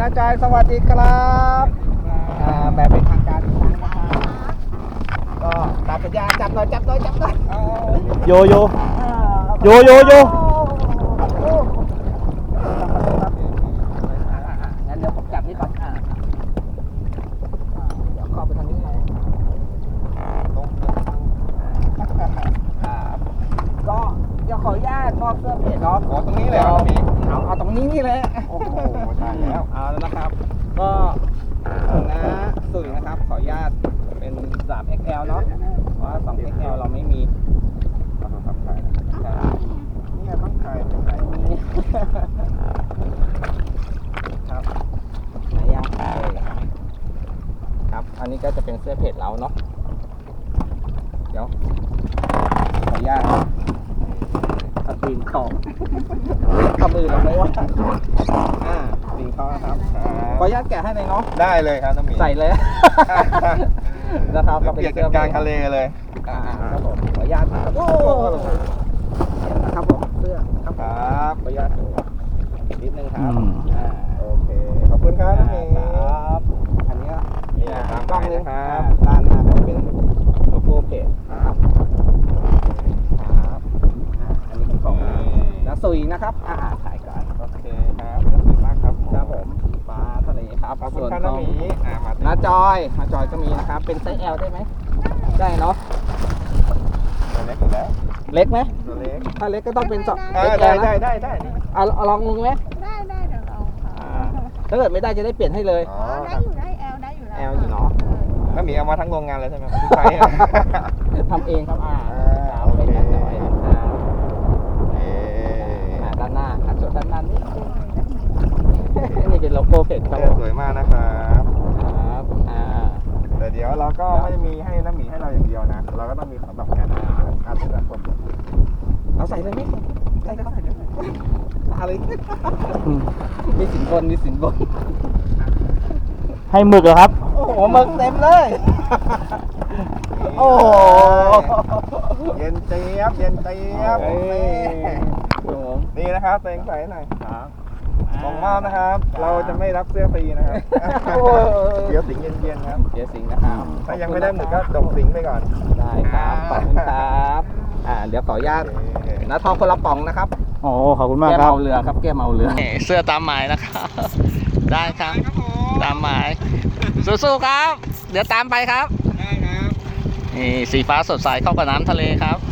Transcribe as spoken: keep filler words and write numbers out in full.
นาจอยสวัสดีครับอ่าแบบเป็นทางการอีกครั้งนะครับก็ตามสัญญาจับหน่อยจับหน่อยจับหน่อยโยโยโยโยโยงั้นเดี๋ยวผมจับนี่ก่อนอ่าเดี๋ยวเข้าไปทางนี้เลยก็เดี๋ยวขออนุญาตมอบเสื้อเพจเนาะอ๋อตรงนี้เลยเหรอพี่เอาเอาตรงนี้นี่แหละโอ้โหใช่แล้วเอาแล้วนะครับ ก็นะสุยนะครับ ขออนุญาตเป็น สาม เอ็กซ์ แอล เนาะเพราะว่า สอง เอ็กซ์ แอล เราไม่มีเราต้องทำขายนะครับนี่ไงต้องขายต้องขายนี่ครับไหนยังครับ อันนี้ก็จะเป็นเสื้อเพจเราเนาะ เดี๋ยว ขออนุญาตเอาตีนของทำมือเราไม่ว่าอ่าตีนเขานะครับ ขออนุญาตแกะให้เลยเนาะได้เลยครับน้ำหมีใส่เลย นะครับเปลี่ยนกันกลางทะเลเลยอ่าครับผมขออนุญาตครับโอ้นะครับผมเสื้อครับครับขออนุญาตดูนิดนึงครับอืมอ่าโอเคขอบคุณครับน้ำหมีครับอันนี้ก็นี่ตามกล้องไปเลยนะคครัรับบ ด้านหน้าก็จะเป็นโลโก้เพจนะครับครับอ่าอันนี้เป็นของนัสุยนะครับอ่าถ่ายก่อนโอเคครับขอบคุณมากครับครับผมสีฟ้าทะเลครับขอบคุณส่วนครับขอน้ำงหมีอ่ามาน้าจอยน้าจอยก็มีนะครับ เป็นไซส์ L ได้ไหม ได้เนาะตัวเล็กอยู่แล้วเล็กไหมตัวเล็กถ้าเล็กก็ต้องเป็นสองอ่าเอ็กซ์ได้แอลได้นะได้ได้นี่เอาเอาลองลงไหมได้ได้เดี๋ยวเราค่ะอ่าถ้าเกิดไม่ได้จะได้เปลี่ยนให้เลยอ๋ออ๋อคได้รับอยู่ได้แอลได้อยู่แล้วแอลอยู่เนาะน้ำหมีเอามาทั้งโรงงานเลยใช่ไหมครับที่ใช้อะทำเองครับอ่าอ่าครับโอเคเป็นน้าจอยนะครับเอ๊อ่าด้านหน้าอ่ะส่วนด้านหน้านี่นี่เป็นโลโก้เพจครับเสื้อสวยมากนะครับครับอ่าแต่เดี๋ยวเราก็ไม่ได้มีให้น้ำหมีให้เราอย่างเดียวนะ เราก็ต้องมีสำหรับการการเป็นแบบคนเอาใส่เลยไหมใส่เลยครับใส่เลยอะไรอืมมีสินบนมีสินบนให้หมึกเหรอครับโอ้โหหมึกเต็มเลย โอ้โหเย็นเจี๊ยบเย็นเจี๊ยบเอ้ยนี่นะครับเต็งใส่หน่อยครับของมอบนะครับ เราจะไม่รับเสื้อฟรีนะครับโอ้ยเดี๋ยวสิงเย็นๆครับเดี๋ยวสิงนะครับถ้ายังไม่ได้หมึกก็ดกสิงไปก่อนได้ครับ ขอบคุณครับ อ่า เดี๋ยวขออนุญาตนะทองคนละป๋องนะครับโอ้ขอบคุณมากแก้มครับเอาเรือครับ แก้มเอาเรือ เสื้อตามหมายนะครับ ได้ครับ ตามหมาย สู้ๆครับ เดี๋ยวตามไปครับได้ครับนี่สีฟ้าสดใสเข้ากับน้ำทะเลครับ